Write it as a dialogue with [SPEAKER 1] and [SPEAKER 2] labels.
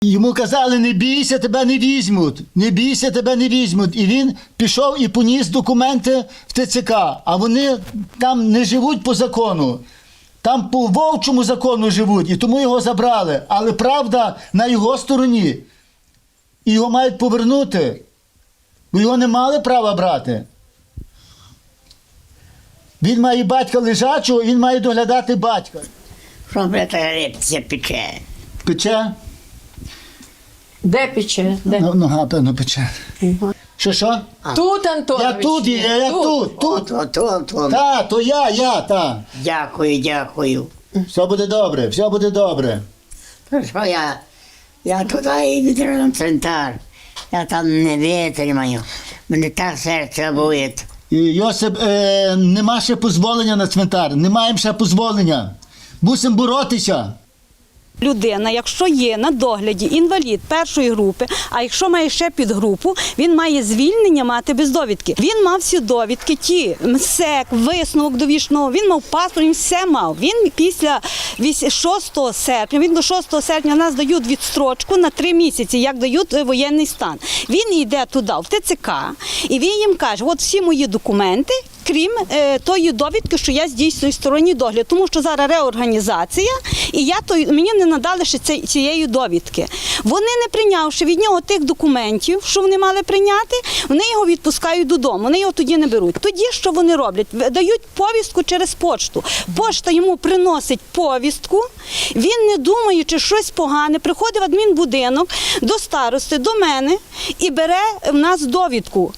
[SPEAKER 1] Йому казали, не бійся, тебе не візьмуть, не бійся, тебе не візьмуть. І він пішов і поніс документи в ТЦК, а вони там не живуть по закону. Там по вовчому закону живуть, і тому його забрали. Але правда на його стороні. І його мають повернути, бо його не мали права брати. Він має батька лежачого, і він має доглядати батька.
[SPEAKER 2] Що брата репція пече?
[SPEAKER 1] Пече?
[SPEAKER 3] Де пече? Де?
[SPEAKER 1] Нога, певно, пече. Що?
[SPEAKER 3] Тут, Антонович.
[SPEAKER 1] Я тут є, я тут.
[SPEAKER 2] От.
[SPEAKER 1] Та, то я.
[SPEAKER 2] Дякую.
[SPEAKER 1] Все буде добре, все буде добре.
[SPEAKER 2] То що я туди і відразу центр. Я там не витримаю. Мене так серце болить.
[SPEAKER 1] І, Йосип, нема ще дозволення на цвинтар, не маємо ще дозволення. Мусимо боротися.
[SPEAKER 4] Людина, якщо є на догляді інвалід першої групи, а якщо має ще підгрупу, він має звільнення мати без довідки. Він мав всі довідки, ті МСЕК, висновок довічного, він мав паспорт, він все мав. Він після 6 серпня, він до 6 серпня нас дають відстрочку на 3 місяці, як дають воєнний стан. Він йде туди, в ТЦК, і він їм каже, от всі мої документи, крім тої довідки, що я здійснюю сторонній догляд, тому що зараз реорганізація, і мені не надали ще цієї довідки. Вони, не прийнявши від нього тих документів, що вони мали прийняти, вони його відпускають додому, вони його тоді не беруть. Тоді що вони роблять? Дають повістку через почту. Пошта йому приносить повістку, він, не думаючи щось погане, приходить в адмінбудинок до старости, до мене і бере в нас довідку.